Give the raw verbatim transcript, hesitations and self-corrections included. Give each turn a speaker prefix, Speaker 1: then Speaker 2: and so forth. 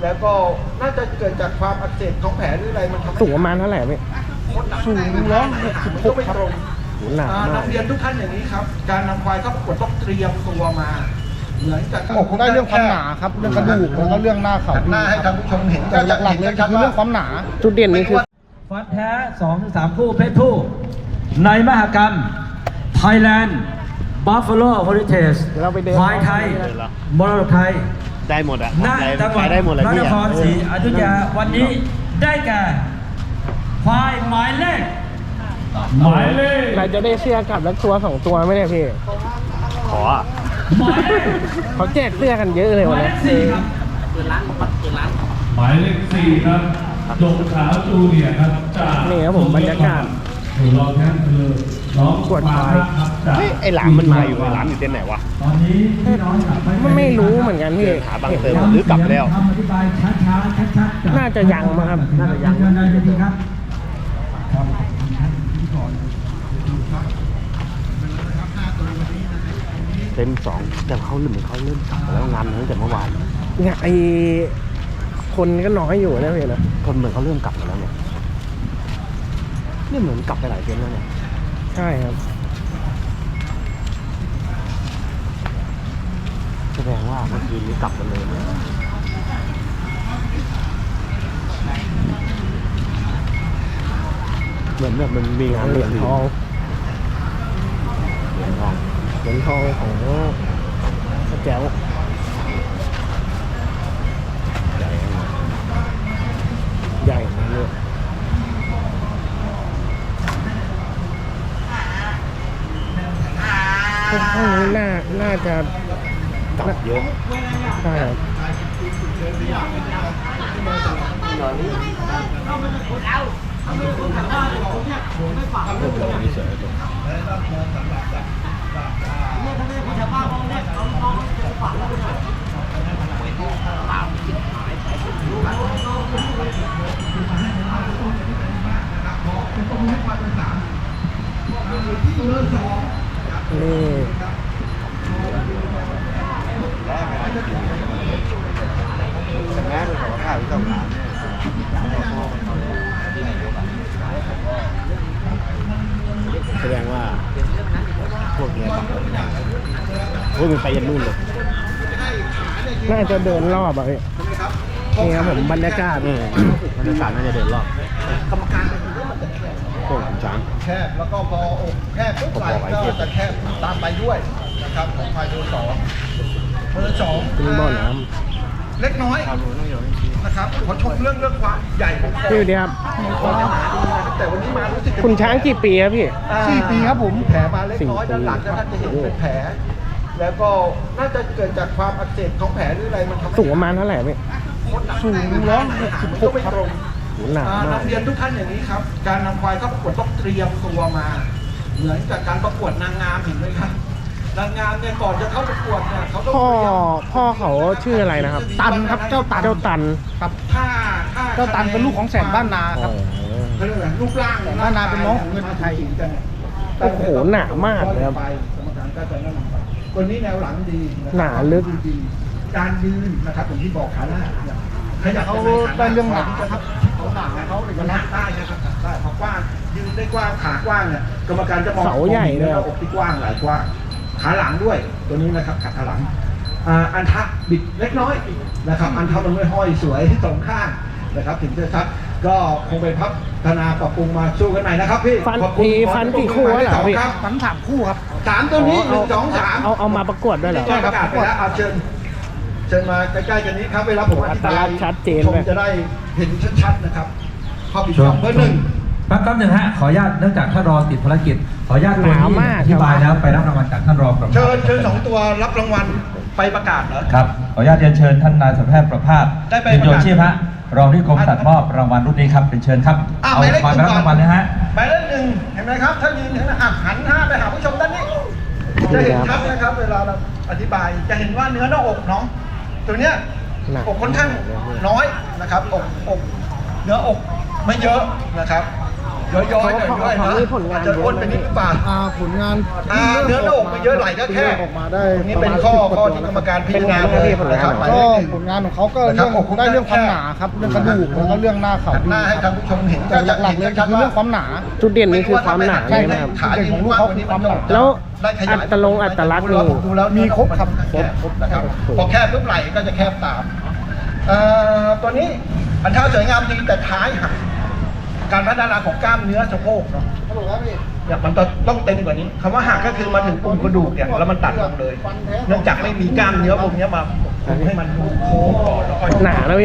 Speaker 1: แล้วก็น่าจะเกิดจากความอักเสบของแผลหรืออะไรมันทำให้
Speaker 2: สูงประมาณเท่าไหร่พี่
Speaker 1: สูงร้อยหกสิบหกครับ
Speaker 2: หูหนามาก
Speaker 1: นำเรียนทุกท่านอย่างนี้ครับการนำควายเข้าประกวดต้องเตรียมตัวมาเหมือนกับอก
Speaker 3: ได้เรื่องความหนาครับเรื่องกระดูกแล้วก็เรื่องหน้าเขา
Speaker 1: หน้าให้ท่านผู้ชมเห็น
Speaker 3: แต่หลักๆเลยคือเรื่องความหนา
Speaker 2: จุดเด่นนี่คือ
Speaker 4: ฟันแท้ สองถึงสาม คู่เพศผู้ ในมหกรรม Thailand Buffalo Heritage
Speaker 2: เราไปเดิน
Speaker 4: ควายไทยมรดกไทย
Speaker 5: ได้หมดอะ
Speaker 4: ณจังหวัด
Speaker 5: ได้หมดเลย
Speaker 4: พระ
Speaker 5: พี่
Speaker 4: นครศรีอยุธยาวันนี้ได้แก่ควายหมายเลขหมายเลข
Speaker 2: เราจะได้เสื้อกลับแล้วตัวสองตัวไม่ได้พี่
Speaker 5: ขออะ
Speaker 4: หมายเลข
Speaker 2: เขาแจกเสื้อกันเยอะเลย
Speaker 4: ห
Speaker 2: วัน
Speaker 4: มายเล
Speaker 2: นี้
Speaker 4: ขสี่ครับ
Speaker 6: หมายเลขสี่ครับดงขาวจูเนียร์ครับจาก
Speaker 2: นี่ครับผมบรรยากาศ
Speaker 6: ถูกรองแชมป์คือน้อง
Speaker 2: กวดควาย
Speaker 6: ครับจาก
Speaker 5: เฮ้ยไอหลามมันมาอยู่ไอหลามอยู่เต้นไหนวะ
Speaker 6: ตอนนี้พี่น้องกลับไป
Speaker 2: ไม่ไม่รู้เหมือนกันพี่
Speaker 5: หาบางเติมหรือกลับแล้ว
Speaker 4: คำอธิบายช้าๆชัดๆจาก
Speaker 2: น่าจะยังมั้งครับ
Speaker 4: น่าจะยังเชิญได้เลยดีครับ
Speaker 5: เต็มสองแต่เขาเหมือนเขาเริ่มกลับมาแล้วงานตั้งแต่เมื่อวาน
Speaker 2: เนี่ยไอคนก็น้อยอยู่นะพี่นะ
Speaker 5: คนเหมือนเขาเริ่มกลับมาแล้วเนี่ยนี่เหมือนกลับไปหลายเดือนแล้วเนี่ย
Speaker 2: ใช่ครับ
Speaker 5: แสดงว่าเมื่อคืนนี้กลับกันเลยเหมือนแบบมันมีงาน
Speaker 2: เหรียญทอง
Speaker 5: เหรียญทอง
Speaker 2: เหรียญทองของพระแจ๋วใหญ่นะเนี่ยพวกห้องนี้น่าน่าจะ
Speaker 5: กลับเยอะ
Speaker 2: ใช่ครับนี่
Speaker 5: แต่แม่เป็นของข้าวที่ต้องหาแสดงว่าพวกนี้กลับมาพวกมันไปยันนู่นเลย
Speaker 2: น่าจะเดินรอบอ่ะพี่นี่ครับผมบรรยากาศ
Speaker 5: เออบรรยากาศน่าจะเดินรอบ
Speaker 1: กรรมการเป็นคนที่มันจะแคบ
Speaker 5: พวกขุนช้าง
Speaker 1: แคบแล้วก็พออกแคบปุ๊บไหล่ก็จะแคบตามไปด้วยนะครับของควายเบอร์สองเบอร์สอง
Speaker 2: เป็นบ่อน้
Speaker 1: เล็กน้อยนะครับขอชมเรื่องเรื่องความใหญ่ของคอ
Speaker 2: ำพี่ดีครับ
Speaker 1: คอจะหนาดีนะครับแต่วันนี้มารู้สึกจะ
Speaker 2: คุณช้างกี่ปีครับพี่
Speaker 1: อ่า
Speaker 3: สี่ปีครับผม
Speaker 1: แผลมาเล็กน้อย
Speaker 2: สี่ปี
Speaker 1: ด้านหลังนะท่านจะเห็นเป็นแผล แล้วก็น่าจะเกิดจากความอักเสบของแผลหรืออะไรมันทำให้
Speaker 2: สูงประมาณเท่าไหร่พี่
Speaker 1: สูงร้อยหกสิบหกครับ
Speaker 2: หูหนามาก
Speaker 1: นำเรียนทุกท่านอย่างนี้ครับ การนำควายเข้าประกวดต้องเตรียมตัวมา เหมือนกับการประกวดนางงามเห็นไหมครับนางงามเนี่ยก่อนจะเข้าประกวดเนี่ยเขาต้อง
Speaker 2: พ่อ
Speaker 1: เตรียม
Speaker 2: พ่อเขาชื่ออะไรนะครับ
Speaker 3: ตันครับเจ้าตัน
Speaker 2: เจ้าตัน
Speaker 3: ครับ
Speaker 1: ถ้าถ้า
Speaker 3: เจ้าตันเป็นลูกของแสนบ้านนาครับ
Speaker 1: เขาเรียกอะไรรูปร่าง
Speaker 3: แต่บ้านนาเป็นน้องของเงินไทย
Speaker 2: โอ้โหหนามากเลยครับ
Speaker 1: กรรมการก็จะแนะนำไปคนนี้แนวหลังดีะครับ
Speaker 2: หนาลึก
Speaker 1: ดีการยืนนะครับอย่างที่บอกขาหน้าเนี่ยขยับ
Speaker 3: เขาได้เรื่องหนาครับเขาหนาเขาเอก
Speaker 1: มัน
Speaker 3: ลั
Speaker 1: รั
Speaker 3: ก
Speaker 1: ก
Speaker 3: ษณ์
Speaker 1: ได้นะครับได้พอกว้างยืนได้กว้างขากว้างเนี่ยกรรมการจะมอง
Speaker 2: เสาใหญ่เลย
Speaker 1: หน้าอกที่กว้างหลายกว้างขาหลังด้วยตัวนี้นะครับขาหลังอ่าอันทะบิดเล็กน้อยนะครับ อันทะมันไม่ห้อยสวยสองข้างนะครับถึงจะชัดก็คงไปพัฒนาปรับปรุงมาสู้กันใหม่นะครับพี่
Speaker 2: ฟัน
Speaker 1: ขอบคุณ
Speaker 2: มีฟันกี่คู่วะเหรอพี่
Speaker 1: ครับ
Speaker 3: ฝันสามคู่ครับ
Speaker 1: สามตัวนี้หนึ่งสองสาม
Speaker 2: เอาเอามาประกวดด้วยเหรอ
Speaker 1: ใช่ครับประกาศไปแล้วเอาเชิญเชิญมาใกล้ๆกันนี้ครับเวลาผมอธิบาย
Speaker 2: อัตลักษณ์ชัดเจน
Speaker 1: ชม
Speaker 2: เลย
Speaker 1: จะได้เห็นชัดๆนะครับข้อผิดพลาดเบอร์หนึ่ง
Speaker 4: แป๊บแป๊บหนึ่งฮะ ขออนุญาตเนื่องจากท่านรองติดภารกิจ ขออนุญาต
Speaker 2: หนามาก
Speaker 4: อธิบายแล้วไปรับรางวัลจากท่านรองประภาส
Speaker 1: เชิญเชิญสองตัวรับรางวัลไปประกาศเหรอ
Speaker 4: ครับ ขออนุญาตเรียนเชิญท่านนายสัมแพทย์ประภาส
Speaker 1: ได้ไป
Speaker 4: เป็นโย
Speaker 1: ประกาศ
Speaker 4: ชีพฮะ รองที่กรมสัตว์มอบรางวัลรุ่นนี้ครับเป็นเชิญครับ
Speaker 1: อ่ะ
Speaker 4: เอา
Speaker 1: หมายเลข
Speaker 4: ควายไปรับรางวัลเลยฮะ
Speaker 1: หมายเลขหนึ่งเห็นไหมครับ ถ้ายืนเห็นไหมอ่ะหันหน้าไปหาผู้ชมด้านนี้ จะเห็นชัดนะครับ เวลาเราอธิบายจะเห็นว่าเนื้อหน้าอกน้องตัวเนี้ย
Speaker 2: หนัก
Speaker 1: อกค่อนข้างน้อยนะครับอกอกเนื้ออกไม่เยอะนะครับย้อยๆหน่อยด้วย
Speaker 2: เขา
Speaker 1: นะ
Speaker 2: มีผลงาน
Speaker 1: อาจจะอ้วนไปนิดหรือเปล่า
Speaker 3: อ่าผลงาน
Speaker 1: อ่าเนื้อหน้าอกไม่เยอะไหลก็แค่
Speaker 3: ออกมาได้
Speaker 1: ตรงนี้เป็นข้อข้อที่กรรมการพิจารณาเลยนะครับหมาย
Speaker 3: ก็
Speaker 1: เลขหนึ่ง
Speaker 3: ผลงานของเขาก็
Speaker 1: นะครั
Speaker 3: เรื่
Speaker 1: บ
Speaker 3: อง
Speaker 1: อก
Speaker 3: ได้เรื่องความหนาครับเรื่องกระดูกแล้วก็เรื่องหน้าเข่า
Speaker 1: หันหน้าให้ท่านผู้ชมเห็น
Speaker 3: แต่หลักๆเลยคือเรื่องความหนา
Speaker 2: จุดเด่นนี่คือความหนา
Speaker 1: ใช่
Speaker 2: ใช่ไหมครับ
Speaker 1: ขายืนกว้างกว่านี้มัน
Speaker 2: แล้ว
Speaker 1: ได้ขยาย
Speaker 2: อัตลงอัตลักษณ์นี่
Speaker 1: ดูแล้ว
Speaker 3: มีครบครับ
Speaker 1: ครบครบนะครับพอแคบปุ๊บไหล่ก็จะแคบตามเอ่อตัวนี้อันท่าสวยงามดีแต่ท้ายหักการพัฒนาของกล้ามเนื้อสะโพกเนาะเนี่ยมันต้องต้องเต็มกว่านี้คำว่าหักก็คือมาถึงปุ่มกระดูกเนี่ยแล้วมันตัดลงเลย เนื่องจากไม่มีกล้ามเนื้อพวกเนี้ยมาให้มันโค้งก่อนแล้วก็
Speaker 2: หนาแล้ว